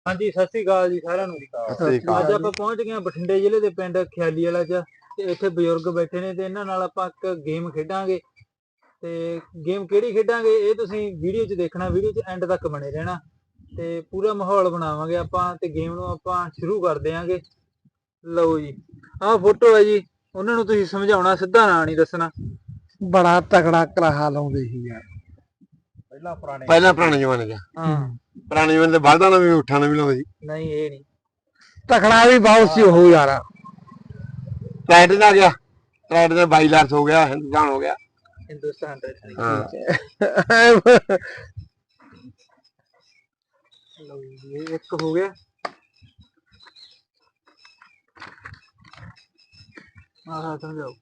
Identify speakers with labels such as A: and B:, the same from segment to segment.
A: ਹਾਂਜੀ ਸਤਿ ਸ੍ਰੀ ਅਕਾਲ ਜੀ ਸਾਰਿਆਂ ਨੂੰ। ਅੱਜ ਆਪਾਂ ਪਹੁੰਚ ਗਏ ਹਾਂ ਬਠਿੰਡੇ ਜ਼ਿਲ੍ਹੇ ਦੇ ਪਿੰਡ ਖਿਆਲੀ ਵਾਲਾ ਚ ਤੇ ਇੱਥੇ ਬਜ਼ੁਰਗ ਬੈਠੇ ਨੇ ਤੇ ਇਹਨਾਂ ਨਾਲ ਆਪਾਂ ਇੱਕ ਗੇਮ ਖੇਡਾਂਗੇ। ਤੇ ਗੇਮ ਕਿਹੜੀ ਖੇਡਾਂਗੇ ਇਹ ਤੁਸੀਂ ਵੀਡੀਓ 'ਚ ਦੇਖਣਾ, ਵੀਡੀਓ 'ਚ ਐਂਡ ਤੱਕ ਬਣੇ ਰਹਿਣਾ ਤੇ ਪੂਰਾ ਮਾਹੌਲ ਬਣਾਵਾਂਗੇ ਆਪਾਂ ਤੇ ਗੇਮ ਨੂੰ ਆਪਾਂ ਸ਼ੁਰੂ ਕਰ ਦਿਆਂਗੇ। ਲਓ ਜੀ, ਆਹ ਫੋਟੋ ਹੈ ਜੀ, ਉਹਨਾਂ ਨੂੰ ਤੁਸੀਂ ਸਮਝਾਉਣਾ, ਸਿੱਧਾ ਨਾਂ ਨਹੀਂ ਦੱਸਣਾ।
B: ਬੜਾ ਤਕੜਾ ਕਰਾਹਾ ਲਾਉਂਦੇ ਸੀ ਯਾਰ
C: ਪਹਿਲਾਂ ਪੁਰਾਣੇ ਜ਼ਮਾਨੇ ਚ।
A: ਹਾਂ
C: ਪੁਰਾਣੇ ਜ਼ਮਾਨੇ ਦੇ ਬਲਦਾਂ ਨਾਲ ਵੀ ਊਠਾਂ ਨਾਲ ਵੀ ਲਾਉਂਦੇ ਸੀ।
A: ਨਹੀਂ ਇਹ ਨਹੀਂ
B: ਤਕੜਾ ਵੀ ਬਹੁਤ ਸੀ ਉਹ ਯਾਰ।
C: ਟਰੈਕਟਰ ਦਾ ਗਿਆ, ਟਰੈਕਟਰ ਦਾ 22 ਲੱਖ ਹੋ ਗਿਆ, ਹਿੰਦੁਸਤਾਨ ਹੋ ਗਿਆ।
A: ਹਿੰਦੁਸਤਾਨ ਦਾ
C: ਹਾਂ
A: ਲਓ ਜੀ, ਇਹ ਇੱਕ ਹੋ ਗਿਆ। ਆਹ ਸਮਝਾਓ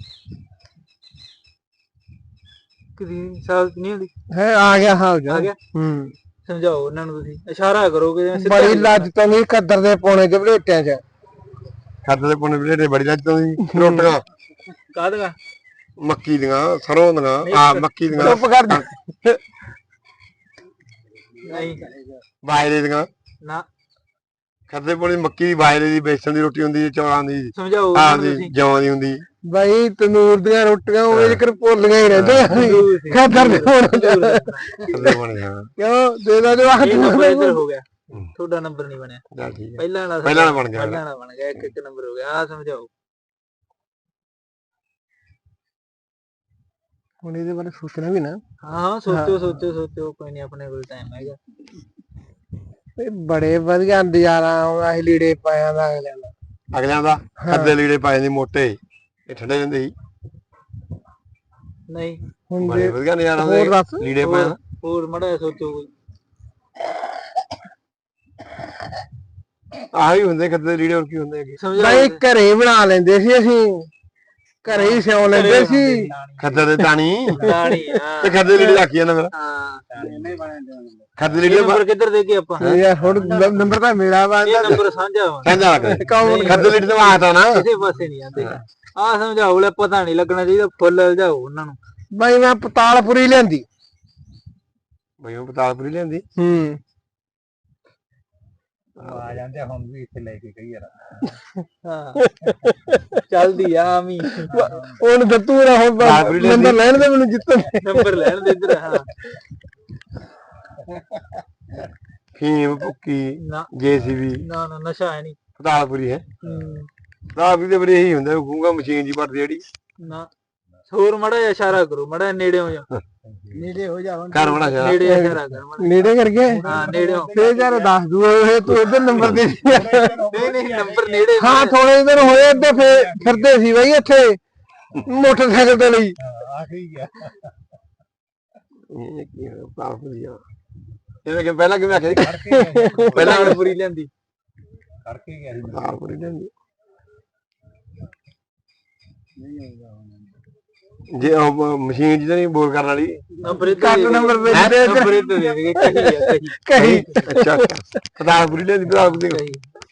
A: ਕਿੰਨੀ ਸਾਲ ਨਹੀਂ ਹੁੰਦੀ
B: ਹੈ ਆ ਗਿਆ ਹਾਂ
A: ਆ ਗਿਆ। ਸਮਝਾਓ ਉਹਨਾਂ ਨੂੰ, ਤੁਸੀਂ ਇਸ਼ਾਰਾ ਕਰੋਗੇ ਜਿਵੇਂ ਸਿੱਧਾ
B: ਬੜੀ ਲੱਜ ਤੋਂ ਨਹੀਂ ਕੱਦਰ ਦੇ ਪੌਣੇ ਚ ਬਲੇਟਿਆਂ ਚ।
C: ਖੱਦ ਦੇ ਪੁੰਨੇ ਬਲੇਟੇ ਬੜੀ ਲੱਜ ਤੋਂ ਸੀ। ਰੋਟੀਆਂ
A: ਕਾਹਦੀਆਂ
C: ਮੱਕੀ ਦੀਆਂ, ਸਰੋਂ ਦੀਆਂ, ਆ ਮੱਕੀ ਦੀਆਂ,
B: ਚੁੱਪ ਕਰ ਜਾ।
A: ਨਹੀਂ
C: ਬਾਜਰੇ ਦੀਆਂ।
A: ਨਾ
C: ਖੱਦੇ ਪੁੰਨੇ ਮੱਕੀ ਦੀ, ਬਾਜਰੇ ਦੀ, ਬੇਸਣ ਦੀ ਰੋਟੀ ਹੁੰਦੀ, ਚੌਲਾਂ ਦੀ,
A: ਸਮਝਾਓ
C: ਆਹ
A: ਉਹਨਾਂ ਨੂੰ
C: ਦੀ
A: ਤੁਸੀਂ।
C: ਜੌਂ ਦੀ ਹੁੰਦੀ।
B: ਬਈ ਤਨੂਰ ਦੀਆਂ ਰੋਟੀਆਂ ਉਹ ਜਿਕਰ ਭੁੱਲੀਆਂ ਹੀ ਰਹਿੰਦੇ ਖਾਦਰ ਦੇ ਪੌਣੇ ਚ।
C: ਖੱਦੇ ਪੁੰਨੇ ਹਾਂ।
B: ਕਿਉਂ ਦੇ ਦਾ ਜਵਾਕ
A: ਇਹ ਨੰਬਰ ਇੱਧਰ ਹੋ ਗਿਆ, ਤੁਹਾਡਾ ਨੰਬਰ ਨਹੀਂ ਬਣਿਆ।
C: ਚੱਲ ਠੀਕ ਹੈ,
A: ਪਹਿਲਾਂ ਵਾਲਾ
C: ਪਹਿਲਾਂ ਵਾਲਾ ਬਣ ਗਿਆ।
A: ਪਹਿਲਾਂ ਵਾਲਾ ਬਣ ਗਿਆ, ਇੱਕ ਇੱਕ ਨੰਬਰ ਹੋ ਗਿਆ। ਆਹ ਸਮਝਾਓ
B: ਹੁਣ ਇਹਦੇ ਬਾਰੇ ਸੋਚਣਾ ਵੀ ਨਾ।
A: ਹਾਂ ਸੋਚੋ ਸੋਚੋ ਸੋਚੋ, ਕੋਈ ਨਹੀਂ, ਆਪਣੇ ਕੋਲ ਟਾਈਮ ਹੈਗਾ।
B: ਇਹ ਬੜੇ ਵਧੀਆ ਨਜ਼ਾਰਾ ਆਉਂਦਾ ਸੀ ਲੀੜੇ ਪਾਇਆ ਦਾ ਅਗਲਿਆਂ ਦਾ।
C: ਅਗਲਿਆਂ ਦਾ ਖੱਦੇ ਲੀੜੇ ਪਾਏ ਜਾਂਦੇ ਮੋਟੇ, ਇਹ ਠੰਡੇ ਜਾਂਦੇ ਸੀ।
A: ਨਹੀਂ
B: ਹੁਣ
C: ਬੜੇ
B: ਦੇ
C: ਵਧੀਆ ਨਜ਼ਾਰਾ
B: ਹੋਰ
C: ਆਉਂਦਾ
B: ਦੱਸ।
C: ਲੀੜੇ ਪਾਏ ਦਾ।
A: ਹੋਰ ਮੜਾ ਸੋਚੋ ਕੋਈ।
C: ਆਹੀ ਹੁੰਦੇ ਖੱਦੇ ਲੀੜੇ, ਹੋਰ ਕੀ ਹੁੰਦੇ ਹੈਗੇ।
B: ਬਈ ਘਰੇ ਹੀ ਬਣਾ ਲੈਂਦੇ ਸੀ ਅਸੀਂ, ਘਰੇ ਹੀ ਸਿਉਂ ਲੈਂਦੇ ਸੀ।
C: ਖੱਦੇ ਦੇ ਤਾਣੀ
A: ਦਾਣੀ ਹਾਂ
C: ਤੇ ਖੱਦੇ ਲੀੜੇ ਰੱਖੀ ਜਾਂਦਾ ਫਿਰ।
A: ਹਾਂ
C: ਖੱਦੇ
A: ਇਹ
C: ਲੀੜੇ
A: ਨੰਬਰ ਕਿੱਧਰ ਦੇ ਕੇ ਆਪਾਂ
B: ਯਾਰ ਹੁਣ ਨੰਬਰ ਤਾਂ ਮੇਰਾ
A: ਇਹ
B: ਬੰਦਾ
A: ਨੰਬਰ ਸਾਂਝਾ ਵਾ,
C: ਕਹਿੰਦਾ ਲੱਗ
B: ਕੌਣ
C: ਖੱਦੇ ਲੀੜੇ ਤਾਂ ਆਤਾ ਨਾ।
A: ਕਿਸੇ ਪਾਸੇ ਨਹੀਂ ਆਂਦੇ। ਆਹ ਸਮਝਾਓ, ਲੈ ਪਤਾ ਨਹੀਂ ਲੱਗਣਾ ਚਾਹੀਦਾ, ਫੁੱਲ ਲਜਾਓ ਉਹਨਾਂ ਨੂੰ।
B: ਬਈ ਮੈਂ ਪਤਾਲਪੁਰੀ ਲਿਆਂਦੀ।
C: ਬਈ ਉਹ ਪਤਾਲਪੁਰੀ ਲਿਆਂਦੀ।
A: ਆ ਜਾਂਦੇ ਹੁਣ ਵੀ ਇੱਥੇ ਲੈ ਕੇ ਗਈ ਯਾਰ। ਹਾਂ ਚੱਲਦੀ ਆ ਆਮੀ।
B: ਉਹਨੂੰ ਦੱਤੂ ਨਾ ਹੁਣ ਨੰਬਰ ਲੈਣ ਦੇ ਮੈਨੂੰ ਜਿੱਤਣ
A: ਨੰਬਰ ਲੈਣ ਦੇ ਇੱਧਰ। ਹਾਂ
C: ਫੀਮ ਭੁੱਕੀ
A: ਨਾ
C: ਜੇਸੀਬੀ
A: ਨਾ ਨਾ, ਨਸ਼ਾ ਹੈ ਨਹੀਂ।
C: ਪਤਾਲਪੁਰੀ ਹੈ। ਪਤਾਲਪੁਰੀ ਦੇ ਬਰੇ ਇਹੀ ਹੁੰਦਾ, ਗੂੰਗਾ ਮਸ਼ੀਨ ਜੀ ਭਰਦੀ ਜਿਹੜੀ।
A: ਨਾ ਹੋਰ ਮੜਾ ਜਿਹਾ ਇਸ਼ਾਰਾ ਕਰੋ, ਮੜਾ ਨੇੜੇ ਹੋ ਜਾ।
B: ਨੇੜੇ ਹੋ ਜਾ
C: ਘਰ ਬਣਾ ਜਾ
A: ਨੇੜੇ ਇਸ਼ਾਰਾ ਕਰ ਮਾੜਾ।
B: ਨੇੜੇ ਕਰਕੇ
A: ਹਾਂ ਨੇੜੇ ਹੋ।
B: ਫੇਰ ਯਾਰ ਦੱਸ ਦੂ ਇਹ ਤੂੰ ਇਧਰ ਨੰਬਰ ਦੇ।
A: ਨਹੀਂ ਨਹੀਂ, ਨੰਬਰ ਨੇੜੇ।
B: ਹਾਂ ਥੋੜੇ ਇਧਰ ਹੋਏ ਤੇ ਫੇਰ ਫਿਰਦੇ ਸੀ ਬਈ ਇੱਥੇ ਮੋਟਰਸਾਈਕਲ ਤੇ ਲਈ।
A: ਆ ਠੀਕ ਆ।
C: ਇਹ ਕੀ ਹੈ ਪਤਾਲਪੁਰੀ ਆ। ਇਹਨੇ ਕਿ ਪਹਿਲਾਂ ਕਿਵੇਂ ਆਖਿਆ ਸੀ?
A: ਪਹਿਲਾਂ ਪੂਰੀ ਲੈਂਦੀ
B: ਕਰਕੇ ਗਿਆ ਸੀ।
C: ਪਤਾਲਪੁਰੀ ਲਿਆਂਦੀ। ਜੇ ਉਹ ਮਸ਼ੀਨ ਜਿਹਦਾ ਨਹੀਂ ਬੋਲ ਕਰਨ ਵਾਲੀ।
A: ਨੰਬਰ
B: ਕੱਟ ਨੰਬਰ ਵੇਚਦੇ
A: ਨੰਬਰ ਇੱਧਰ ਦੇ ਦੇਗੇ। ਕਹੀ ਆ ਕਹੀ
B: ਕਹੀ
C: ਅੱਛਾ ਪਤਾਲਪੁਰੀ ਲਿਆਂਦੀ, ਪਤਾਲਪੁਰੀ
A: ਕਹੀ।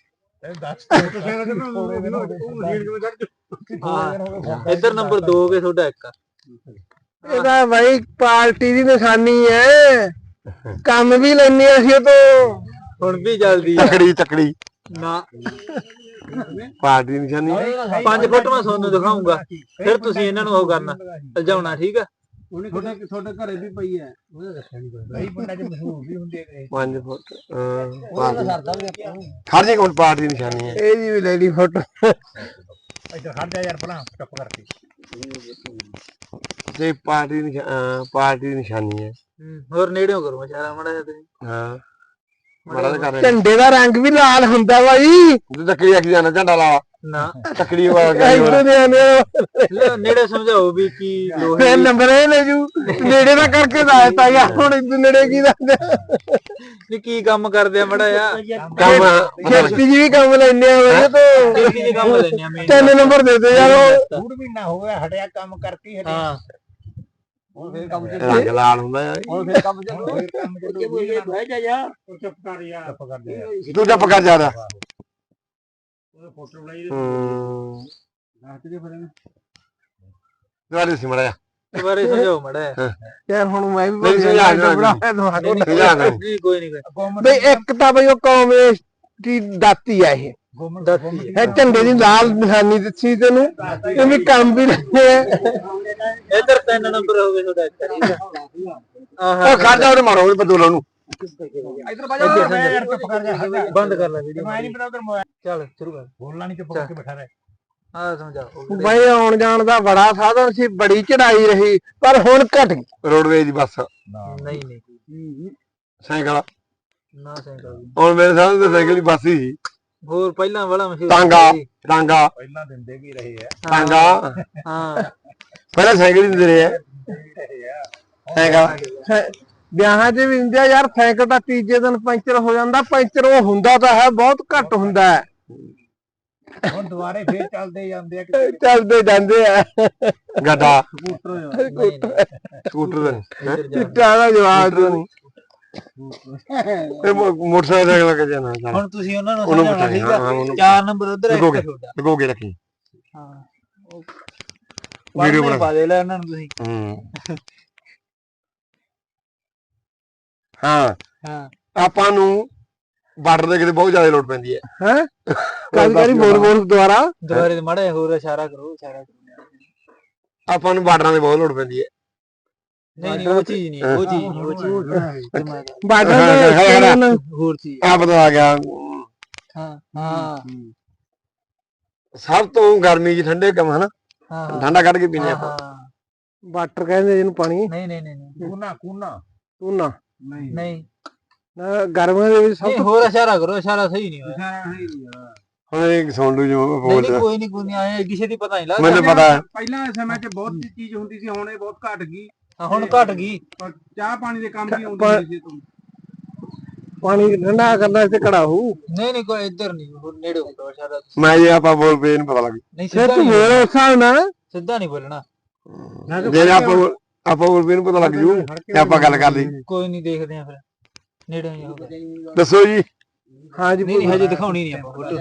A: ਹਾਂ ਇੱਧਰ ਨੰਬਰ 2 ਹੋ ਗਏ ਤੁਹਾਡਾ, ਇੱਕ ਆ।
B: ਇਹਦਾ ਬਾਈ ਪਾਰਟੀ ਦੀ ਨਿਸ਼ਾਨੀ ਹੈ, ਕੰਮ ਵੀ ਲੈਣੇ ਅਸੀਂ ਉਹ ਤੋਂ।
A: ਹੁਣ ਵੀ ਜਲਦੀ ਆ।
C: ਤਕੜੀ ਤਕੜੀ
A: ਨਾ
C: ਪਾਰਟੀ ਦੀ ਨਿਸ਼ਾਨੀ।
A: 5 ਫੋਟੋਆਂ ਤੁਹਾਨੂੰ ਦਿਖਾਉਂਗਾ, ਫਿਰ ਤੁਸੀਂ ਇਹਨਾਂ ਨੂੰ ਉਹ ਕਰਨਾ, ਲਜਾਉਣਾ। ਠੀਕ ਆ।
B: ਤੁਹਾਡੇ ਘਰੇ ਵੀ ਪਈ ਹੈ, ਉਹਦਾ ਦੱਸਿਆ ਨਹੀਂ ਕੋਈ। ਕਈ ਪਿੰਡਾਂ 'ਚ ਮਸ਼ਹੂਰ ਵੀ ਹੁੰਦੇ ਨੇ
C: 5 ਫੁੱਟ ਖੜ ਜੇ ਕੋਲ ਪਾਰਟੀ ਦੀ ਨਿਸ਼ਾਨੀ ਹੈ।
B: ਇਹਦੀ ਵੀ ਲੈ ਲਈ ਫੋਟੋ।
A: ਇੱਧਰ ਖੜ ਜਾ ਯਾਰ, ਭਲਾ ਚੁੱਪ ਕਰਕੇ।
C: ਤੇ ਪਾਰਟੀ ਦੀ ਨਿਸ਼ਾਨੀ ਹੈ।
A: ਹੋਰ ਨੇੜਿਓਂ ਕਰੋ ਇਸ਼ਾਰਾ ਮੜਾ ਜਿਹਾ ਤੁਸੀਂ।
C: ਹਾਂ ਮਾੜਾ ਜਿਹਾ ਕਰ ਰਿਹਾ।
B: ਝੰਡੇ ਦਾ ਰੰਗ ਵੀ ਲਾਲ ਹੁੰਦਾ ਬਾਈ।
C: ਤੂੰ ਤੱਕੜੀ ਆਖੀ ਜਾਣਾ, ਝੰਡਾ ਲਾ
A: ਨਾ
C: ਤੱਕੜੀ ਵਾਲਾ
A: ਨੇੜੇ ਸਮਝਾਓ ਵੀ ਕੀ ਲੋਹੇ
B: ਫੇਰ ਨੰਬਰ ਇਹ ਲੈ ਜੂ। ਨੇੜੇ ਦਾ ਕਰਕੇ ਦੱਸਤਾ ਯਾਰ, ਹੁਣ ਇੱਧਰ ਨੇੜੇ ਕੀ ਦੱਸਦੇ।
A: ਨਹੀਂ ਕੀ ਕੰਮ ਕਰਦੇ ਆ ਮੜਾ ਯਾ।
C: ਕੰਮ
B: ਖੇਤੀ ਜੀ ਵੀ ਕੰਮ ਲੈਣੇ ਆ ਤੋਂ।
A: ਖੇਤੀ ਦੇ ਕੰਮ ਲੈਣੇ ਆ ਮੇਨ।
B: 3 ਨੰਬਰ ਦੇ ਦੇ ਯਾਰ। ਉਹ
A: ਡੂਢ ਮਹੀਨਾ ਹੋ ਗਿਆ ਹਟਿਆ ਕੰਮ ਕਰਕੇ। ਹਾਂ ਹੁਣ ਫੇਰ ਕੰਮ
C: ਰੰਗ ਲਾਲ ਹੁੰਦਾ ਯਾਰ।
A: ਹੁਣ ਫੇਰ ਕੰਮ ਚੱਲੂ। ਫੇਰ ਕੰਮ ਚੱਲੂ। ਬਹਿ ਜਾ ਯਾਰ, ਚੁੱਪ ਕਰ ਯਾਰ। ਚੁੱਪ ਕਰ ਦੇ।
C: ਤੂੰ ਚੁੱਪ ਕਰ ਜਾ।
A: ਫੋਟੋ ਬਣਾਈ
C: ਦੁਆਰੇ ਸੀ ਮੜਾ
A: ਦੁਬਾਰੇ ਸਮਝਾਓ ਮੜਾ
B: ਯਾਰ ਹੁਣ ਮੈਂ ਵੀ
C: ਨਹੀਂ, ਸਮਝਾ ਦੇਣਾ
B: ਬਣਾਇਆ ਦਿਮਾਗ ਨੂੰ।
A: ਕੋਈ ਨਹੀਂ
B: ਬਈ ਇੱਕ ਤਾਂ ਬਈ ਉਹ ਕੌਮ ਦੀ ਦਾਤੀ ਆ ਇਹ ਇਹ ਝੰਡੇ ਦੀ ਲਾਲ ਨਿਸ਼ਾਨੀ ਦਿੱਤੀ ਤੈਨੂੰ ਇਹ ਵੀ ਕੰਮ ਵੀ ਲੈਂਦੇ ਆ
A: ਇਧਰ 3 ਨੰਬਰ ਹੋ ਗਏ ਤੁਹਾਡਾ
C: ਉਹ ਖਾਦਾ ਉਹਨੇ ਮਾਰੋ ਉਹਨੇ ਬਦੋਲਾਂ ਨੂੰ
A: ਬੰਦ ਕਰ ਲੈ ਵੀਡੀਓ ਚੱਲ ਸ਼ੁਰੂ ਕਰ ਬੋਲਣਾ ਨਹੀਂ ਚੁੱਪ ਕਰਕੇ ਬੈਠਾ ਰਹਿ ਆ ਸਮਝਾਓ
B: ਬਈ ਆਉਣ ਜਾਣ ਦਾ ਬੜਾ ਸਾਧਨ ਸੀ ਬੜੀ ਚੜਾਈ ਰਹੀ ਪਰ ਹੁਣ ਘਟ ਗਈ
C: ਰੋਡਵੇਜ ਦੀ ਬੱਸ
A: ਨਹੀਂ ਨਹੀਂ
C: ਸਾਈਕਲ
A: ਨਾ ਸਾਈਕਲ
C: ਹੁਣ ਮੇਰੇ ਸਾਹਮਣੇ ਤਾਂ ਸਾਈਕਲ ਦੀ ਬੱਸ ਹੀ
A: ਹੋਰ ਪਹਿਲਾਂ ਵਾਲਾ ਮਸ਼ਹੂਰ
C: ਟਾਂਗਾ
A: ਪਹਿਲਾਂ ਦਿੰਦੇ ਵੀ ਰਹੇ ਆ
C: ਟਾਂਗਾ
A: ਹਾਂ
C: ਪਹਿਲਾਂ ਸਾਈਕਲ ਹੀ ਦਿੰਦੇ ਰਹੇ ਆ ਸਾਈਕਲ
B: ਵਿਆਹਾਂ 'ਚ ਵੀ ਹੁੰਦੇ ਆ ਯਾਰ ਸਾਈਕਲ ਤਾਂ ਤੀਜੇ ਦਿਨ ਪੈਂਚਰ ਹੋ ਜਾਂਦਾ ਪੈਂਚਰ ਉਹ ਹੁੰਦਾ ਤਾਂ ਹੈ ਬਹੁਤ ਘੱਟ ਹੁੰਦਾ ਹੈ
A: ਹੁਣ ਦੁਬਾਰੇ ਫੇਰ ਚੱਲਦੇ ਜਾਂਦੇ ਆ
B: ਚੱਲਦੇ ਜਾਂਦੇ ਆ
C: ਗੱਡਾ
A: ਸਕੂਟਰ
C: ਸਕੂਟਰ
B: ਚਿੱਟਾ ਦਾ ਜਵਾਬ ਨਹੀਂ
C: ਮੋਟਰਸਾਈਕਲ ਲੱਗ ਜਾਣਾ
A: ਹੁਣ ਤੁਸੀਂ ਉਹਨਾਂ ਨੂੰ
C: ਉਹਨੂੰ
A: ਸਮਝਾਉਣਾ ਠੀਕ ਆ
C: ਉਹਨੂੰ
A: 4 ਨੰਬਰ ਉਧਰ ਇੱਕ
C: ਲਗੋਗੇ
A: ਤੁਹਾਡਾ
C: ਲਗੋਗੇ ਰੱਖੀ
A: ਹਾਂ
C: ਵੀਡੀਓ
A: ਵੀਡੀਓ
C: ਬਣਾ
A: ਪਾ ਦੇ ਲੈ ਉਹਨਾਂ ਨੂੰ ਤੁਸੀਂ
C: ਹਾਂ
A: ਹਾਂ
C: ਆਪਾਂ ਨੂੰ ਬਾਰਡਰ ਦੇ ਕਿਤੇ ਬਹੁਤ ਜ਼ਿਆਦਾ ਲੋੜ ਪੈਂਦੀ ਹੈ
B: ਹੈ ਕਦੀ ਬੋਲ ਦੁਆਰਾ
A: ਦੁਬਾਰੇ ਤੇ ਮਾੜਾ ਜਿਹਾ ਹੋਰ ਇਸ਼ਾਰਾ ਕਰੋ
C: ਆਪਾਂ ਨੂੰ ਬਾਰਡਰਾਂ ਦੀ ਬਹੁਤ ਲੋੜ ਪੈਂਦੀ ਹੈ
A: ਨਹੀਂ ਉਹ ਚੀਜ਼ ਨਹੀਂ ਉਹ ਚੀਜ਼ ਨਹੀਂ ਉਹ ਚੀਜ਼
B: ਬਾਰਡਰ
A: ਹੋਰ ਚੀਜ਼
C: ਆ ਪਤਾ ਆ ਗਿਆ
A: ਹਾਂ ਹਾਂ
C: ਸਭ ਤੋਂ ਗਰਮੀ 'ਚ ਠੰਡੇ ਕੰਮ ਹਨਾ
A: ਹਾਂ
C: ਠੰਡਾ ਕੱਢ ਕੇ ਪੀਨੇ ਆਪਾਂ
B: ਵਾਟਰ ਕਹਿੰਦੇ ਜਿਹਨੂੰ ਪਾਣੀ
A: ਨਹੀਂ ਨਹੀਂ ਨਹੀਂ ਕੂਨਾ
B: ਤੂੰ
A: ਨਹੀਂ
B: ਗਰਮੀਆਂ ਦੇ ਵਿੱਚ ਸਭ ਤੋਂ
A: ਹੋਰ ਇਸ਼ਾਰਾ ਕਰੋ ਇਸ਼ਾਰਾ ਸਹੀ ਨਹੀਂ ਹੋਇਆ
C: ਹੁਣ ਇਹ ਸੁਣ ਲੂ ਜੋ ਬੋਲਦਾ
A: ਕੋਈ ਨਹੀਂ ਆਏ ਕਿਸੇ ਦੀ ਪਤਾ ਨਹੀਂ ਲੱਗਦਾ
C: ਮੈਨੂੰ ਪਤਾ ਹੈ
D: ਪਹਿਲਾਂ ਸਮੇਂ 'ਚ ਬਹੁਤ ਚੀਜ਼ ਹੁੰਦੀ ਸੀ ਹੁਣ ਇਹ ਬਹੁਤ ਘਟ ਗਈ
A: ਹੁਣ ਘਟ ਗਈ
D: ਪਰ ਚਾਹ ਪਾਣੀ ਦੇ ਕੰਮ ਵੀ ਆਉਂਦੀ ਹੁੰਦੀ ਸੀ ਤੋਂ
B: ਪਾਣੀ ਠੰਡਾ ਕਰਨਾ ਇੱਥੇ ਕੜਾਹੂ
A: ਨਹੀਂ ਕੋਈ ਇੱਧਰ ਨਹੀਂ ਹੋਰ ਨੇੜੇ ਹੁੰਦਾ ਇਸ਼ਾਰਾ
C: ਮੈਂ ਜੇ ਆਪਾਂ ਬੋਲ ਪਏ ਇਹਨੂੰ ਪਤਾ ਲੱਗ
A: ਨਹੀਂ
B: ਫਿਰ
A: ਸਿੱਧਾ
B: ਤੂੰ
A: ਨਹੀਂ
B: ਹੋਰ ਉਸ ਹਿਸਾਬ ਨਾਲ
A: ਸਿੱਧਾ ਨਹੀਂ ਬੋਲਣਾ
C: ਜੇ ਆਪਾਂ ਬੋਲ ਪਏ ਇਹਨੂੰ ਪਤਾ ਲੱਗ ਜੂ ਤੇ ਆਪਾਂ ਗੱਲ ਕਰ ਲਈ
A: ਕੋਈ ਨਹੀਂ ਦੇਖਦੇ ਆ ਫਿਰ ਨੇੜੇ ਹੀ ਹੋਊਗਾ
C: ਦੱਸੋ ਜੀ
B: ਹਾਂ ਜੀ
A: ਨਹੀਂ ਹਜੇ ਦਿਖਾਉਣੀ ਨਹੀਂ ਆਪਾਂ ਫੋਟੋ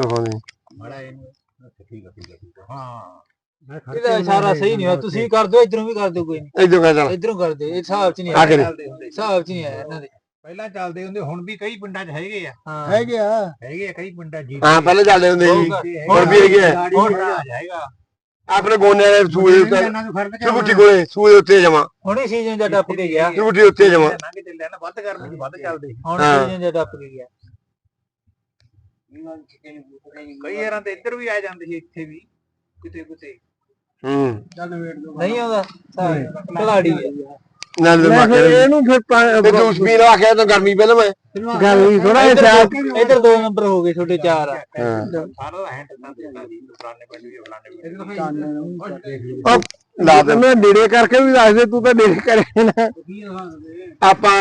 A: ਇਹਦਾ ਇਸ਼ਾਰਾ ਸਹੀ ਨਹੀਂ ਹੋਇਆ ਤੁਸੀਂ ਕਰ ਦਿਓ ਇਧਰੋਂ ਵੀ ਕਰ ਦਿਓ ਕੋਈ ਨਹੀਂ
C: ਇਦੋਂ ਕਹ ਚੱਲ
A: ਇਧਰੋਂ ਕਰ ਦਿਓ ਇਹ ਹਿਸਾਬ 'ਚ ਨਹੀਂ
C: ਆ ਕੇ
A: ਆਇਆ ਹਿਸਾਬ 'ਚ ਨਹੀਂ ਆਇਆ ਇਹਨਾਂ ਦੇ
D: ਪਹਿਲਾਂ ਚੱਲਦੇ ਹੁੰਦੇ ਹੁਣ ਵੀ ਕਈ ਪਿੰਡਾਂ 'ਚ ਹੈਗੇ ਆ
A: ਹਾਂ
B: ਹੈਗੇ ਆ
D: ਹੈਗੇ ਆ ਕਈ ਪਿੰਡਾਂ ਜੀ
C: ਹਾਂ ਪਹਿਲੇ ਚੱਲਦੇ ਹੁੰਦੇ ਸੀ ਹੁਣ ਵੀ ਹੈਗੇ ਆ
D: ਹੁਣ ਜਾਏਗਾ
C: ਆਪਣੇ ਗੋਨਿਆਂ ਦੇ ਸੂਏ ਉੱਤੇ
D: ਇਹਨਾਂ ਨੂੰ ਫਰਕ
C: ਚੁਬੁੱਟੀ ਕੋਲੇ ਸੂਏ ਉੱਤੇ ਜਮਾ
A: ਹੁਣੇ ਸੀਜ਼ਨ ਜਾਂ ਟੱਪ ਕੇ ਗਿਆ
C: ਚੁਬੁੱਟੀ ਉੱਤੇ ਜਮਾ
D: ਲੰਘ ਚੱਲਿਆ ਨਾ ਵੱਧ ਗਰਮੀ 'ਚ ਵੱਧ ਚੱਲਦੇ
A: ਹੁਣ
C: ਹਾਂ।
A: ਸੀਜ਼ਨ ਜਾਂ ਟੱਪ ਕੇ ਗਿਆ
D: ਕਈ ਵਾਰਾਂ ਤੇ ਇੱਧਰ ਵੀ ਆ ਜਾਂਦੇ ਸੀ ਇੱਥੇ ਵੀ ਕਿਤੇ
A: ਨਹੀਂ ਆਉਂਦਾ ਖਿਲਾੜੀ ਹੈ
C: ਨਾਲ ਦੇ ਮਾਕੇ
B: ਇਹਨੂੰ ਫਿਰ
C: ਤੇ ਜੂਸ ਪੀਣ ਆਖਿਆ ਤਾਂ ਗਰਮੀ ਪਹਿਲਾਂ ਮੈਂ
B: ਗੱਲ ਵੀ ਥੋੜਾ ਜਿਹਾ
A: ਇਧਰ 2 ਨੰਬਰ ਹੋ ਗਏ ਛੋਟੇ 4 ਆ
D: ਸਾਰਾ ਹੈਂਡ ਤਾਂ ਦਿੱਤਾ ਜੀ ਫਲਾਣੇ ਪਿੰਡ ਵੀ ਫਲਾਣੇ ਪਿੰਡ
C: ਲਾ ਦੇ
B: ਮੈਂ ਨੇੜੇ ਕਰਕੇ ਵੀ ਦੱਸ ਦੇ ਤੂੰ ਤਾਂ ਨੇੜੇ ਕਰੇ ਨਾ
C: ਆਪਾਂ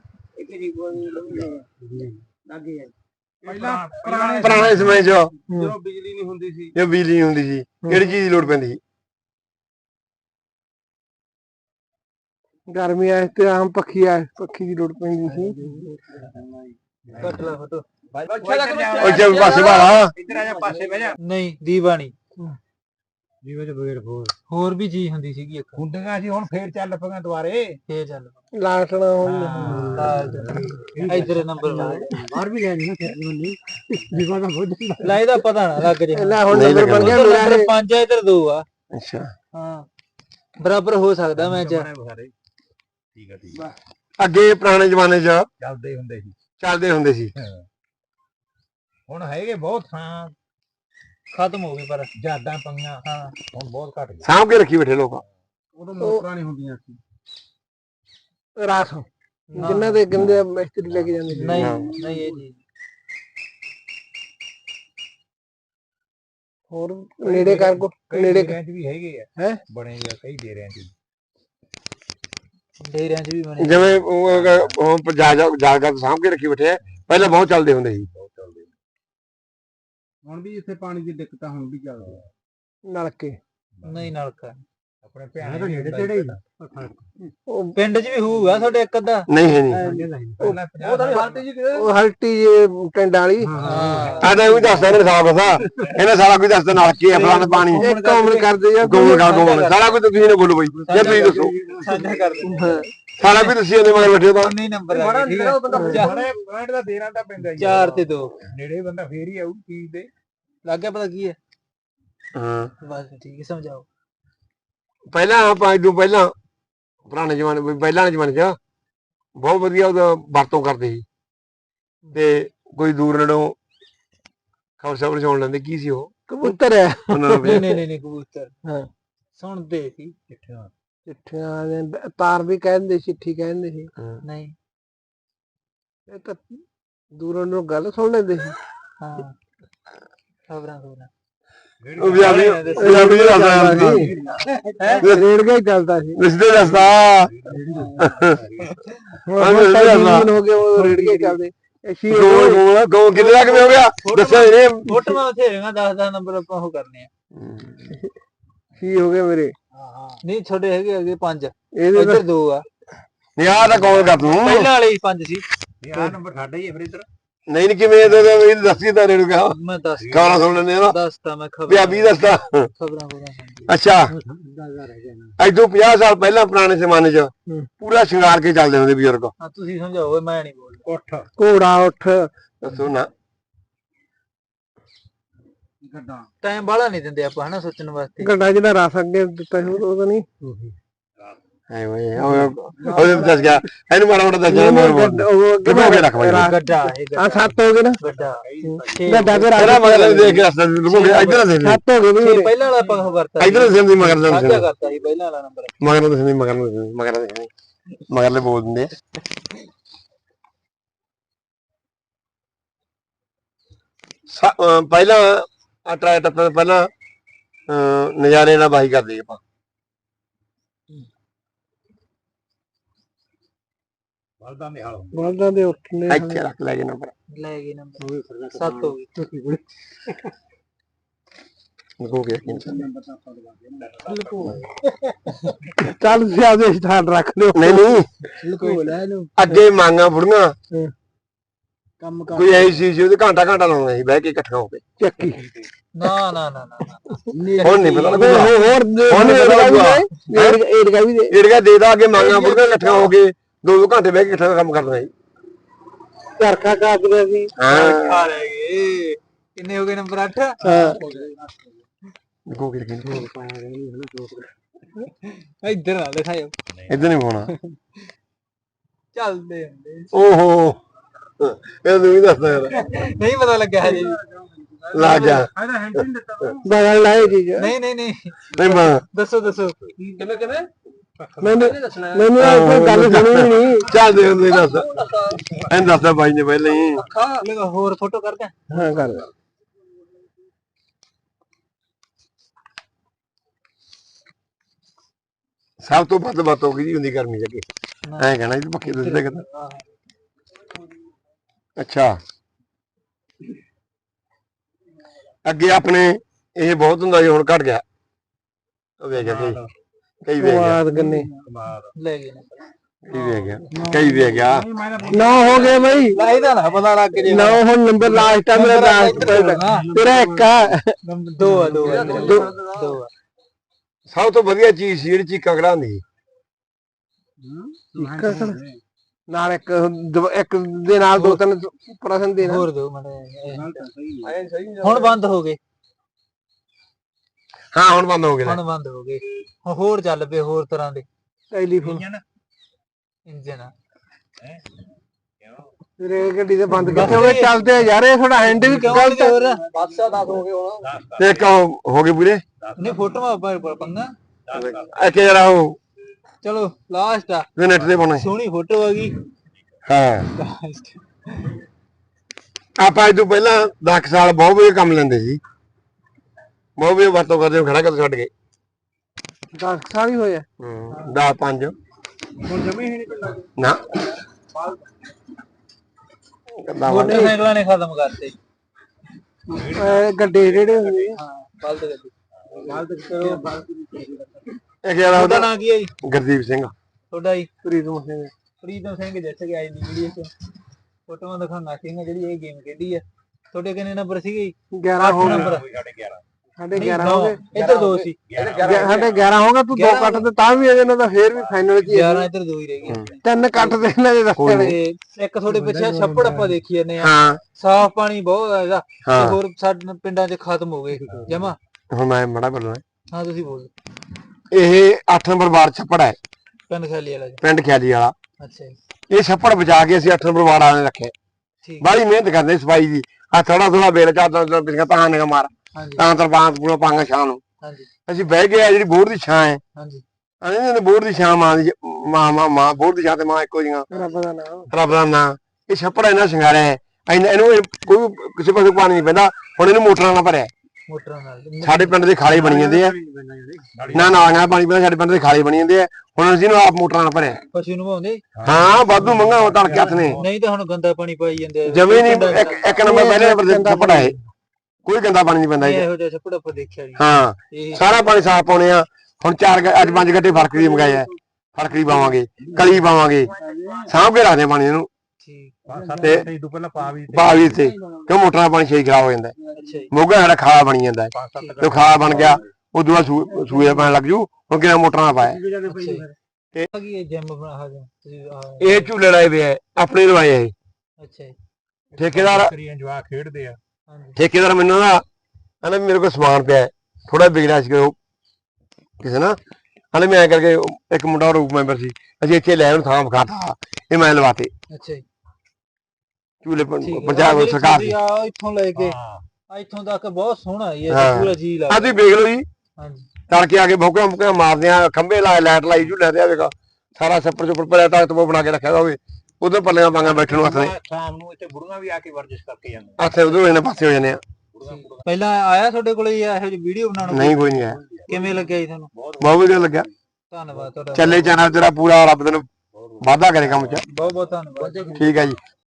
D: ਪਹਿਲਾਂ
C: ਪੁਰਾਣੇ ਸਮੇਂ 'ਚ
D: ਜਦੋਂ ਬਿਜਲੀ ਨਹੀਂ ਹੁੰਦੀ ਸੀ
C: ਜੋ ਬਿਜਲੀ ਨਹੀਂ ਹੁੰਦੀ ਸੀ ਕਿਹੜੀ ਚੀਜ਼ ਦੀ ਲੋੜ ਪੈਂਦੀ ਸੀ
B: ਗਰਮੀ ਆਏ ਤੇ ਆਮ ਪੱਖੀ ਦੀ ਲੋੜ ਪੈਂਦੀ ਸੀ
A: ਕੱਟ ਲੈ ਫੋਟੋ
C: ਉਹ ਚੱਲ ਪਾਸੇ ਵਾਲਾ
D: ਇੱਧਰ ਆ ਜਾ ਪਾਸੇ ਬਹਿ ਜਾ
A: ਨਹੀਂ ਦੀਵਾਨੀ
D: ਜੀਵੇ ਚ ਬਗੇੜ ਫੋਰ
A: ਹੋਰ ਵੀ ਚੀਜ਼ ਹੁੰਦੀ ਸੀਗੀ ਇੱਕ
D: ਹੁੰਦੀਆਂ ਸੀ ਹੁਣ ਫੇਰ ਚੱਲ ਪਈਆਂ ਦੁਬਾਰੇ
A: ਫੇਰ ਚੱਲ
B: ਲਾਟਣਾ
A: ਇਧਰ ਨੰਬਰ
D: ਬਾਹਰ ਵੀ ਗਏ ਨਹੀਂ ਨਾ ਜੀਵਾ ਦਾ ਬਹੁਤ
A: ਲੈ ਇਹਦਾ ਪਤਾ ਨਾ ਲੱਗ ਜੇ
B: ਲੈ ਹੁਣ ਨੰਬਰ ਬਣ ਗਿਆ ਮੇਰਾ
A: ਇਧਰ 5 ਆ ਇਧਰ 2 ਆ
C: ਅੱਛਾ
A: ਹਾਂ ਬਰਾਬਰ ਹੋ ਸਕਦਾ ਮੈਚ
D: ਠੀਕ ਆ ਠੀਕ ਆ
C: ਅੱਗੇ ਪੁਰਾਣੇ ਜ਼ਮਾਨੇ 'ਚ
D: ਚੱਲਦੇ ਹੁੰਦੇ ਸੀ ਹੁਣ ਹੈਗੇ ਬਹੁਤ ਥਾਂ
A: ਖਤਮ ਹੋ ਗਈ ਪਰ
D: ਜਾਦਾਂ ਪੰਗੀਆਂ
A: ਹਾਂ
D: ਹੁਣ ਬਹੁਤ ਘਟ ਗਿਆ
C: ਸਾਂਭ ਕੇ ਰੱਖੀ ਬੈਠੇ ਲੋਕ
D: ਉਦੋਂ ਮੋਟਰਾਂ ਨਹੀਂ ਹੁੰਦੀਆਂ ਸੀ
B: ਰਾਤ ਜਿੰਨਾ ਦੇ ਗੰਦੇ ਮਿਸਤਰੀ ਲੈ ਕੇ ਜਾਂਦੇ ਸੀ
A: ਨਹੀਂ ਨਹੀਂ ਇਹ ਜੀ
B: ਹੋਰ ਨੇੜੇ ਕਰ ਕੋ ਨੇੜੇ
D: ਚ ਵੀ ਹੈਗੇ ਆ
B: ਹੈ
D: ਬਣੇ ਆ ਕਈ ਡੇਰਿਆਂ ਚ
A: ਡੇਰਿਆਂ 'ਚ ਵੀ ਬਣੇ
C: ਜਿਵੇਂ ਉਹ ਜਾ ਸਾਂਭ ਕੇ ਰੱਖੀ ਬੈਠੇ ਆ ਪਹਿਲਾਂ ਬਹੁਤ ਚੱਲਦੇ ਹੁੰਦੇ ਸੀ
D: ਹੁਣ ਵੀ ਇੱਥੇ ਪਾਣੀ ਦੀ ਦਿੱਕਤਾਂ ਹੁਣ ਵੀ ਚੱਲਦੀ ਆ
B: ਨਲਕੇ
A: ਨਹੀਂ ਨਲਕਾ
D: ਆਪਣੇ ਭੈਣ ਦੇ ਨੇੜੇ ਤੇੜੇ ਹੀ
A: ਪਿੰਡ 'ਚ ਵੀ ਹੋਊਗਾ ਤੁਹਾਡੇ ਇੱਕ ਅੱਧਾ।
C: ਨਹੀਂ ਹੈ ਨਹੀਂ
A: ਉਹ ਤਾਂ ਹਾਲਤ ਜੀ
B: ਉਹ ਹਲਟੀ ਜੇ ਟੈਂਡ ਵਾਲੀ
C: ਆ ਤਾਂ ਉਹ ਦੱਸਦਾ ਨੇ ਸਾਰਾ ਪਤਾ ਇਹਨੇ ਸਾਰਾ ਕੁਝ ਦੱਸਦਾ ਨਾਲ ਕੀ ਆਪਣਾ ਪਾਣੀ
B: ਇੱਕ ਕੌਮਨ ਕਰਦੇ ਆ
C: ਗੋਲ ਸਾਰਾ ਕੁਝ ਤੁਸੀਂ ਨੇ ਬੋਲੋ ਬਈ ਜੇ ਤੁਸੀਂ ਦੱਸੋ
A: ਸਾਂਝਾ ਕਰ ਦੇ।
C: ਸਾਰਾ ਵੀ ਤੁਸੀਂ ਉਹਦੇ ਮਗਰ ਬੈਠੇ ਹੋ ਤਾਂ
A: ਨਹੀਂ ਨੰਬਰ ਆ ਗਿਆ, ਠੀਕ ਹੈ।
D: ਪੁਆਇੰਟ ਦਾ ਦੇਣਾ ਤਾਂ ਪੈਂਦਾ
A: 4 ਤੇ 2
D: ਨੇੜੇ ਬੰਦਾ ਫੇਰ ਹੀ ਆਊ ਚੀਜ਼ ਦੇ।
A: ਲੱਗ ਗਿਆ ਪਤਾ ਕੀ ਹੈ।
C: ਹਾਂ
A: ਬਸ ਠੀਕ ਹੈ, ਸਮਝਾਓ।
C: ਪਹਿਲਾਂ ਆਪਾਂ ਇਦੋਂ ਪਹਿਲਾਂ ਪੁਰਾਣੇ ਜ਼ਮਾਨੇ ਪਹਿਲਾਂ ਦੇ ਜ਼ਮਾਨੇ 'ਚ ਬਹੁਤ ਵਧੀਆ ਉਹਦਾ ਵਰਤੋਂ ਕਰਦੇ ਸੀ ਤੇ ਕੋਈ ਦੂਰ ਨੇੜੋਂ ਖਬਰ ਸਬਰ ਸੁਣ ਲੈਂਦੇ ਕੀ ਸੀ ਉਹ
B: ਕਬੂਤਰ ਹੈ।
C: ਉਹਨਾਂ ਨੂੰ
A: ਨਹੀਂ ਕਬੂਤਰ
B: ਹਾਂ
A: ਸੁਣਦੇ ਸੀ
B: ਚਿੱਠੀਆਂ ਦੇ ਤਾਰ ਵੀ ਕਹਿੰਦੇ ਚਿੱਠੀ ਕਹਿੰਦੇ ਸੀ।
A: ਨਹੀਂ
B: ਇਹ ਤਾਂ ਦੂਰੋਂ ਨੂੰ ਗੱਲ ਸੁਣ ਲੈਂਦੇ ਸੀ।
A: ਹਾਂ ਖਬਰਾਂ
C: ਉਹ ਪੰਜਾਬੀ ਪੰਜਾਬੀ ਚ ਦੱਸਦਾ
B: ਰੇੜਗਾ ਹੀ ਚੱਲਦਾ ਸੀ।
C: ਰਿਸ਼ਤੇ ਦੱਸਦਾ
B: ਹੁਣ ਹੋ ਗਿਆ ਉਹ ਰੇੜਗਾ ਹੀ ਚੱਲਦੇ।
C: ਗੋ ਕਿੰਨੇ ਦਾ ਕਿਵੇਂ ਹੋ ਗਿਆ ਦੱਸਿਆ ਇਹਨੇ
A: ਫੋਟੋਆਂ ਬਥੇਰੀਆਂ 10 ਨੰਬਰ ਆਪਾਂ ਉਹ ਕਰਨੇ ਆ।
B: ਕੀ ਹੋ ਗਿਆ ਮੇਰੇ
A: ਨਹੀਂ ਛੋਟੇ ਹੈਗੇ ਅੱਗੇ 5
B: ਇਹਦੇ
A: ਇੱਧਰ 2 ਆ।
C: ਨਹੀਂ ਆਹ ਤਾਂ ਕਾਲ ਕਰ ਤੂੰ
A: ਪਹਿਲਾਂ ਵਾਲੇ ਹੀ 5 ਸੀ।
D: ਆਹ ਨੰਬਰ ਸਾਡਾ ਹੀ ਹੈ ਫਿਰ ਇੱਧਰ।
C: ਨਹੀਂ ਨਹੀਂ ਕਿਵੇਂ ਇਹ ਦੱਸੀ ਤਾਂ ਰੇੜੂ ਕਹਾ
A: ਮੈਂ ਦੱਸ
C: ਗਾਣਾ ਸੁਣ ਲੈਂਦੇ ਆ ਨਾ
A: ਦੱਸਤਾ ਮੈਂ ਖਬਰਾਂ
C: ਪੰਜਾਬੀ ਦੱਸਦਾ
A: ਖਬਰਾਂ
C: ਅੱਛਾ ਅੱਜ ਤੋਂ 50 ਸਾਲ ਪਹਿਲਾਂ ਪੁਰਾਣੇ ਜ਼ਮਾਨੇ 'ਚ ਪੂਰਾ ਸ਼ਿੰਗਾਰ ਕੇ ਚੱਲਦੇ ਹੁੰਦੇ ਬਜ਼ੁਰਗ।
A: ਹਾਂ ਤੁਸੀਂ ਸਮਝਾਓ, ਮੈਂ ਨਹੀਂ ਬੋਲਦਾ।
D: ਉੱਠ
B: ਘੋੜਾ ਉੱਠ
C: ਦੱਸੋ ਨਾ
D: ਗੱਡਾ
A: ਟਾਈਮ ਬਾਹਲਾ ਨਹੀਂ ਦਿੰਦੇ ਆਪਾਂ ਹਨਾ ਸੋਚਣ ਵਾਸਤੇ।
B: ਗੱਡਾ ਜਿਹੜਾ ਰਸ ਅੱਗੇ ਦਿੱਤਾ ਸੀ ਉਹ ਤਾਂ ਨਹੀਂ
C: ਐ ਓਏ ਉਹ ਦੱਸ ਗਿਆ ਇਹਨੂੰ ਮਾੜਾ ਮੋਟਾ ਦੱਸ ਜਾ
B: ਉਹ
C: ਕੇ ਰੱਖ ਬਾਈ
A: ਗੱਡਾ ਇਹ
B: ਆ 7 ਹੋ ਗਏ ਨਾ
A: ਗੱਡਾ
B: ਗੱਡਾ ਤੇ
C: ਤੇਰਾ ਮਗਰ ਦੇਖ ਕੇ ਰਸਤਾ ਲੁਕੋ ਗਿਆ ਇੱਧਰ ਦੇ
B: 7 ਹੋ ਗਏ ਵੀ ਮੇਰੇ।
A: ਪਹਿਲਾਂ ਵਾਲਾ ਆਪਾਂ ਉਹ ਕਰਤਾ
C: ਇੱਧਰ ਦੇ ਦੀ ਮਗਰ
A: ਸਾਂਝਾ
C: ਦੇ
A: ਕਰਤਾ ਸੀ ਪਹਿਲਾਂ ਵਾਲਾ ਨੰਬਰ।
C: ਮਗਰ ਦੇ ਨਹੀਂ ਮਗਰ ਦੇ ਮਗਰਲੇ ਬੋਲ ਦਿੰਦੇ ਪਹਿਲਾਂ ਆ ਟਰਾਈ ਟੱਪੇ ਤੋਂ ਪਹਿਲਾਂ ਨਜ਼ਾਰੇ ਨਾਲ ਬਾਈ ਕਰਦੇ ਆਪਾਂ
D: ਬਲਦਾਂ ਦੇ ਹਾਲ ਹੁੰਦੇ।
B: ਬਲਦਾਂ ਦੇ ਉੱਠਨੇ
C: ਇੱਥੇ ਰੱਖ ਲੈ ਜੇ ਨੰਬਰ
A: ਲੈ ਗਏ ਨੰਬਰ 7 ਹੋ ਗਏ।
C: ਲੁਕੋ ਗਿਆ ਕਿੰਨਾ
B: ਚੱਲ ਸਿਆਦੇ ਸਥਾਨ ਰੱਖ ਲਿਓ।
C: ਨਹੀਂ ਨਹੀਂ
A: ਲੁਕੋ ਲੈ ਇਹਨੂੰ
C: ਅੱਗੇ ਮੰਗਾਂ ਬੁੜੀਆਂ
A: ਕੰਮ
C: ਕੋਈ ਐਸੀ ਚੀਜ਼ ਉਹਦੇ ਘੰਟਾ ਲਾਉਣਾ ਸੀ ਬਹਿ ਕੇ ਇਕੱਠਾ ਹੋ ਕੇ
B: ਚੱਕੀ
A: ਨਾ ਨਾ ਨਾ ਨਾ
C: ਹੁਣ ਨਹੀਂ ਪਤਾ ਲੱਗੂਗਾ
B: ਹੋਰ
C: ਹੁਣ ਨਹੀਂ ਪਤਾ ਲੱਗੂਗਾ
B: ਏੜਗਾ ਵੀ ਦੇ
C: ਏੜਗਾ ਦੇ ਦਾ ਅੱਗੇ ਮੰਗਾਂ ਬੁੜੀਆਂ ਇਕੱਠੀਆਂ ਹੋ ਕੇ 2 ਘੰਟੇ ਬਹਿ ਕੇ ਇਕੱਠਾ ਕੰਮ ਕਰਨਾ ਸੀ
B: ਚਰਖਾ ਕਾਟਦੇ ਸੀ।
C: ਹਾਂ
A: ਆ ਰਹਿ ਗਏ। ਕਿੰਨੇ ਹੋ ਗਏ ਨੰਬਰ 8?
B: ਹਾਂ
C: ਲੁਕੋ ਕੇ ਰੱਖੀ
A: ਇੱਧਰ ਆ ਦਿਖਾਇਓ।
C: ਇੱਧਰ ਨਹੀਂ ਪਾਉਣਾ
A: ਚੱਲਦੇ ਹੁੰਦੇ
C: ਓਹੋ ਇਹ ਤੂੰ ਵੀ ਦੱਸਦਾ ਯਾਰ
A: ਨਹੀਂ ਪਤਾ ਲੱਗਿਆ ਹਜੇ।
C: ਲਾ ਗਿਆ
D: ਇਹਦਾ ਹੈਂਡ ਨਹੀਂ ਦਿੱਤਾ
B: ਬਗਲ ਲਾਏ ਜੀ
A: ਨਹੀਂ
C: ਨਹੀਂ ਮਾਂ
A: ਦੱਸੋ
D: ਕਿਵੇਂ
B: ਮੈਨੂੰ ਇਹ ਗੱਲ ਸੁਣੀ ਨਹੀਂ।
C: ਚੱਲ ਦੇ ਹੁੰਦੇ ਦੱਸ ਇਹਨੂੰ ਦੱਸਦਾ ਬਾਈ ਨੇ ਪਹਿਲਾਂ ਹੀ
A: ਲਗਾ ਹੋਰ ਫੋਟੋ ਕਰਦੇ
B: ਹਾਂ ਕਰ
C: ਸਭ ਤੋਂ ਵੱਧ ਬਾਤ ਹੋ ਗਈ ਹੁੰਦੀ ਗਰਮੀ ਚ ਅੱਗੇ ਐਂ ਕਹਿਣਾ ਜੀ ਪੱਕੇ ਦੱਸਦੇ ਕਹਿੰਦਾ ਅੱਛਾ ਅੱਗੇ ਆਪਣੇ ਇਹ ਬਹੁਤ ਹੁੰਦਾ ਸੀ ਹੁਣ ਘਟ ਗਿਆ ਉਹ ਵੇਖ ਗਿਆ ਕਈ ਵੇਖ ਗਿਆ
B: ਵਾਦ ਗੰਨੇ
A: ਲੈ ਗਏ
C: ਕਈ ਵੇਖ ਗਿਆ
B: 9 ਹੋ ਗਏ ਬਈ।
A: ਇਹਦਾ ਨਾ ਪਤਾ ਲੱਗ ਜੇ
B: 9 ਹੁਣ ਨੰਬਰ ਲਾਸਟ ਆ ਮੇਰਾ ਲਾਸਟ ਤੇਰਾ ਇੱਕ ਆ
A: 2 ਆ
C: ਸਭ ਤੋਂ ਵਧੀਆ ਚੀਜ਼ ਸੀ ਜਿਹੜੀ ਚੀਕਾ ਕਢਾਉਂਦੀ
B: ਨਾਲ ਇੱਕ ਦੇ ਨਾਲ 2-3 ਪ੍ਰਸ਼ਨ ਦੇਣਾ।
A: ਹੋਰ ਦੋ ਹੁਣ ਬੰਦ ਹੋ ਗਏ।
C: ਹਾਂ ਹੁਣ ਬੰਦ ਹੋ ਗਏ
A: ਹੁਣ ਬੰਦ ਹੋ ਗਏ। ਹੋਰ ਚੱਲ ਪਏ ਹੋਰ ਤਰ੍ਹਾਂ ਦੇ
B: ਟੈਲੀਫੋਨ
A: ਇੰਜਨ
B: ਰੇ ਗੱਡੀ ਦੇ ਬੰਦ ਕਿੱਥੇ ਹੋ ਗਏ ਚੱਲਦੇ ਆ ਯਾਰ ਇਹ ਥੋੜਾ ਹੈਂਡ ਵੀ ਗਲਤ ਹੈ।
A: ਹੋਰ ਬਾਦਸ਼ਾਹ 10 ਹੋ ਗਏ ਹੁਣ
C: ਤੇ ਇੱਕ ਹੋ ਗਏ ਪੂਰੇ
A: ਨਹੀਂ ਫੋਟੋਆਂ ਪੰਗਾ
C: ਇੱਥੇ ਜਰਾ ਉਹ
A: ਚਲੋ ਲਾਸਟ ਆ
C: ਨੈਟ ਤੇ ਪਾਉਣਾ
A: ਸੋਹਣੀ ਫੋਟੋ ਆ ਗਈ।
C: ਹਾਂ ਆਪਾਂ ਇਹ ਤੋਂ ਪਹਿਲਾਂ 10 ਸਾਲ ਬਹੁਤ ਵਧੀਆ ਕੰਮ ਲੈਂਦੇ ਸੀ ਬਹੁਤ ਵਧੀਆ ਵਰਤੋਂ ਕਰਦੇ ਖੜਾ ਕਰ ਛੱਡ ਗਏ
B: 10 ਸਾਲ ਹੀ ਹੋਇਆ
C: 10 5
D: ਹੁਣ ਜਮੇ ਹੀ ਨਹੀਂ
C: ਨਾ
A: ਮੋਟਰਸਾਈਕਲਾਂ ਨੇ ਖਤਮ ਕਰਤੇ।
B: ਗੱਡੇ ਜਿਹੜੇ ਹੁੰਦੇ ਆ
A: ਹਾਂ ਬਲਦ ਗੱਡੀ
C: ਇੱਕ ਯਾਰ
A: ਤੁਹਾਡਾ
C: ਉਹਦਾ
A: ਨਾਂ ਕੀ ਹੈ ਜੀ?
C: ਗੁਰਦੀਪ ਸਿੰਘ
A: ਤੁਹਾਡਾ ਜੀ?
B: ਪ੍ਰੀਤਮ ਸਿੰਘ
A: ਪ੍ਰੀਤਮ ਸਿੰਘ ਜਿੱਤ ਗਿਆ ਜੀ ਵੀਡੀਓ 'ਚ। ਫੋਟੋਆਂ ਦਿਖਾਉਣਾ ਸੀਗਾ ਜਿਹੜੀ ਇਹ ਗੇਮ ਖੇਡੀ ਆ। ਤੁਹਾਡੇ ਕਿੰਨੇ ਨੰਬਰ ਸੀਗੇ ਜੀ?
B: 11 ਹੋ ਗਏ
A: ਨੰਬਰ
B: ਸਾਡੇ 11 ਹੋ ਗਏ
A: ਇੱਧਰ 2 ਸੀ।
B: ਸਾਡੇ 11 ਹੋ ਗਏ ਤੂੰ 2 ਕੱਟ ਤੇ ਤਾਂ ਵੀ ਇਹਨਾਂ ਦਾ ਫੇਰ ਵੀ ਫਾਈਨਲ 'ਚ
A: 11 ਇੱਧਰ 2 ਹੀ ਰਹਿ ਗਏ।
B: 3 ਕੱਟ ਤੇ ਇਹਨਾਂ ਦੇ ਦੱਸੇ ਨੇ
A: ਤੇ ਇੱਕ ਤੁਹਾਡੇ ਪਿੱਛੇ ਛੱਪੜ ਆਪਾਂ ਦੇਖੀ ਜਾਂਦੇ ਆ,
C: ਹਾਂ
A: ਸਾਫ਼ ਪਾਣੀ ਬਹੁਤ ਆ ਇਹਦਾ। ਤੇ
C: ਹਾਂ
A: ਹੋਰ ਸਾਡੇ ਪਿੰਡਾਂ 'ਚ ਖਤਮ ਹੋ ਗਏ ਜਮਾ।
C: ਹੁਣ ਮੈਂ ਮੜਾ ਬੋਲਣਾ
A: ਹਾਂ ਤੁਸੀਂ ਬੋਲੋ।
C: ਇਹ 8 ਨੰਬਰ ਵਾਰਡ ਛੱਪੜ ਹੈ
A: ਪਿੰਡ ਖਾਲੀ ਵਾਲਾ ਜੀ।
C: ਪਿੰਡ ਖਿਆਲੀ ਵਾਲਾ।
A: ਅੱਛਾ ਜੀ,
C: ਇਹ ਛੱਪੜ ਬਚਾ ਕੇ ਅਸੀਂ 8 ਨੰਬਰ ਵਾਰਡ ਵਾਲੇ ਨੇ ਰੱਖੇ।
A: ਠੀਕ।
C: ਬੜੀ ਮਿਹਨਤ ਕਰਦੇ ਸਫਾਈ ਦੀ। ਆ ਥੋੜਾ ਵੇਲ ਚਾਦਰ ਪਿਛਗਾ ਤਾਂ ਨਿਗਾ ਮਾਰ
A: ਹਾਂਜੀ
C: ਤਾਂ ਤਰਪਾਂ ਪੂਰਾ ਪਾਂਗਾ ਛਾਂ ਨੂੰ।
A: ਹਾਂਜੀ
C: ਅਸੀਂ ਬਹਿ ਗਏ ਆ ਜਿਹੜੀ ਬੋਰ ਦੀ ਛਾਂ ਹੈ।
A: ਹਾਂਜੀ
C: ਅਨੇ ਬੋਰ ਦੀ ਛਾਂ ਮਾਂ ਦੀ ਮਾਂ ਬੋਰ ਦੀ ਛਾਂ ਤੇ ਮਾਂ ਇੱਕੋ ਜੀਆਂ
B: ਰੱਬ ਦਾ ਨਾਮ
C: ਰੱਬ ਦਾ ਨਾਂ। ਇਹ ਛੱਪੜ ਇਹਨਾਂ ਸ਼ਿੰਗਾਰਿਆ ਹੈ। ਇਹਨੂੰ ਕੋਈ ਕਿਸੇ ਪਾਸੇ ਪਾਣੀ ਨਹੀਂ ਪੈਂਦਾ। ਹੁਣ ਇਹਨੂੰ ਮੋਟਰਾਂ ਨਾਲ ਭਰਿਆ।
A: ਮੋਟਰਾਂ ਨਾਲ
C: ਸਾਡੇ ਪਿੰਡ ਦੇ ਖਾਲੇ ਬਣੀ ਜਾਂਦੇ ਆ ਨਾ ਨਾਲੀਆਂ ਪਾਣੀ ਪੈਂਦਾ। ਸਾਡੇ ਪਿੰਡ ਦੇ ਖਾਲੇ ਬਣੀ ਜਾਂਦੇ ਆ। ਹੁਣ ਅਸੀਂ ਇਹਨੂੰ ਆਪ ਮੋਟਰਾਂ ਨਾਲ ਭਰਿਆ।
A: ਪਸ਼ੂ ਨੂੰ ਭਾਉਂਦੇ
C: ਹਾਂ ਵਾਧੂ ਮੰਗਾ ਉਹ ਤੜਕੇ ਹੱਥ ਨੇ।
A: ਨਹੀਂ ਤਾਂ ਹੁਣ ਗੰਦਾ ਪਾਣੀ ਪਾਈ ਜਾਂਦੇ ਆ।
C: ਜਮੀ ਨਹੀਂ ਇੱਕ ਨੰਬਰ ਪਹਿਲੇ ਨੰਬਰ ਤੇ ਛੱਪੜ ਹੈ। ਕੋਈ ਗੰਦਾ ਪਾਣੀ ਨਹੀਂ ਪੈਂਦਾ ਜੀ।
A: ਇਹੋ ਜਿਹਾ ਛੱਪੜ ਆਪਾਂ ਦੇਖਿਆ ਜੀ।
C: ਹਾਂ
A: ਇਹ
C: ਸਾਰਾ ਪਾਣੀ ਸਾਫ਼ ਪਾਉਣੇ ਆ। ਹੁਣ ਅੱਜ 5 ਗੱਡੇ ਫਰਕਰੀ ਮੰਗਾਏ ਆ। ਫਰਕਰੀ ਪਾਵਾਂਗੇ ਕਲੀ ਪਾਵਾਂਗੇ ਸਾਂਭ ਕੇ ਰੱਖਦੇ ਪਾਣੀ ਇਹਨੂੰ।
A: ਠੀਕ
C: ਤੇ
D: ਤੋਂ ਪਹਿਲਾਂ ਪਾ ਵੀ
C: ਪਾ ਵੀ ਤੇ ਕਿਉਂ ਮੋਟਰਾਂ ਦਾ ਪਾਣੀ ਛੇਤੀ ਖਰਾਬ ਹੋ ਜਾਂਦਾ।
A: ਅੱਛਾ ਜੀ,
C: ਮੋਗਾ ਸਾਡਾ ਖਾਲਾ ਬਣੀ ਜਾਂਦਾ ਹੈ। ਤੇ ਖਾਲਾ ਬਣ ਗਿਆ ਉਦੋਂ ਬਾਅਦ ਸੂਏ ਪੈਣ ਲੱਗ ਜੂ। ਹੁਣ ਕਿਹਨਾਂ ਮੋਟਰਾਂ ਨਾਲ ਪਾਇਆ।
A: ਅੱਛਾ ਜੀ।
C: ਤੇ
A: ਆ ਕੀ ਇਹ ਜਿਮ ਬਣਾ ਜਾ ਤੁਸੀਂ
C: ਇਹ ਝੂਲੇ ਲਾਏ ਵੇ ਆ ਆਪਣੇ ਲਵਾਏ ਇਹ
A: ਅੱਛਾ ਜੀ,
C: ਠੇਕੇਦਾਰ
D: ਜਵਾਕ ਖੇਡਦੇ ਆ।
A: ਹਾਂਜੀ
C: ਠੇਕੇਦਾਰ ਮੈਨੂੰ ਨਾ ਕਹਿੰਦਾ ਵੀ ਮੇਰੇ ਕੋਲ ਸਮਾਨ ਪਿਆ ਥੋੜਾ ਵਿਗੜਿਆ ਸੀ ਕਿਸੇ ਨਾ। ਹਲੇ ਮੈਂ ਕਰਕੇ ਇੱਕ ਮੁੰਡਾ ਰੂਪ ਮੈਂਬਰ ਸੀ। ਅਸੀਂ ਇੱਥੇ ਲੈ ਉਹਨੂੰ ਥਾਂ ਵਿਖਾਤਾ। ਇਹ ਮੈਂ ਲਵਾਤੇ
A: ਅੱਛਾ ਜੀ।
C: ਝੂਲੇ
A: ਠੀਕ ਹੈ।
C: ਪੰਜਾਬ
A: ਜਿਹੜੀ
C: ਸਰਕਾਰ ਦੀ।
A: ਤੁਸੀਂ ਆ ਇੱਥੋਂ ਲੈ ਕੇ
D: ਹਾਂ
A: ਆ ਇੱਥੋਂ ਤੱਕ ਬਹੁਤ ਸੋਹਣਾ ਹੈ ਇਹ
C: ਹਾਂ।
A: ਪੂਰਾ ਜੀ
C: ਆ
A: ਲੱਗਦਾ।
C: ਤੁਸੀਂ ਵੇਖ ਲਓ ਜੀ
A: ਹਾਂਜੀ
C: ਤੜਕੇ ਆ ਕੇ ਭੌਂਕਿਆਂ ਭੌਂਕਿਆਂ ਮਾਰਦੇ ਆ। ਖੰਭੇ ਲਾਏ ਲਾਈਟ ਲਾਈ ਝੂਲੇ ਤੇ ਆਵੇਗਾ ਸਾਰਾ ਛੱਪੜ ਚੁੱਪੜ ਭਰਿਆ ਤਾਕਤ ਬਣਾ ਕੇ ਰੱਖਿਆ ਹੋਵੇ। ਉਧਰ ਪੱਲਿਆਂ ਪਾਂਗਾ ਬੈਠਣ ਨੂੰ ਹੱਥ ਨੇ
D: ਸ਼ਾਮ ਨੂੰ ਇੱਥੇ ਬੁੜੀਆਂ ਵੀ ਆ ਕੇ ਵਰਜਿਸ਼ ਕਰਕੇ ਜਾਂਦੇ
C: ਹੱਥ ਉਧਰ ਇਹਨਾਂ ਪਾਸੇ ਹੋ ਜਾਂਦੇ ਆ।
A: ਪਹਿਲਾਂ ਆਇਆ ਤੁਹਾਡੇ ਕੋਲੇ ਇਹੋ ਜਿਹੀ ਵੀਡੀਓ ਬਣਾਉਣ ਨੂੰ?
C: ਨਹੀਂ ਕੋਈ ਨਹੀਂ ਆਇਆ।
A: ਕਿਵੇਂ ਲੱਗਿਆ ਜੀ ਤੁਹਾਨੂੰ?
C: ਬਹੁਤ ਵਧੀਆ ਲੱਗਿਆ।
A: ਧੰਨਵਾਦ ਤੁਹਾਡਾ।
C: ਚੱਲੇ ਚੈਨਲ ਤੇਰਾ ਪੂਰਾ ਰੱਬ ਤੈਨੂੰ ਵਾਧਾ ਕਰੇ ਕੰਮ ਚ।
A: ਬਹੁਤ ਬਹੁਤ ਧੰਨਵਾਦ।
C: ਠੀਕ ਹੈ ਜੀ।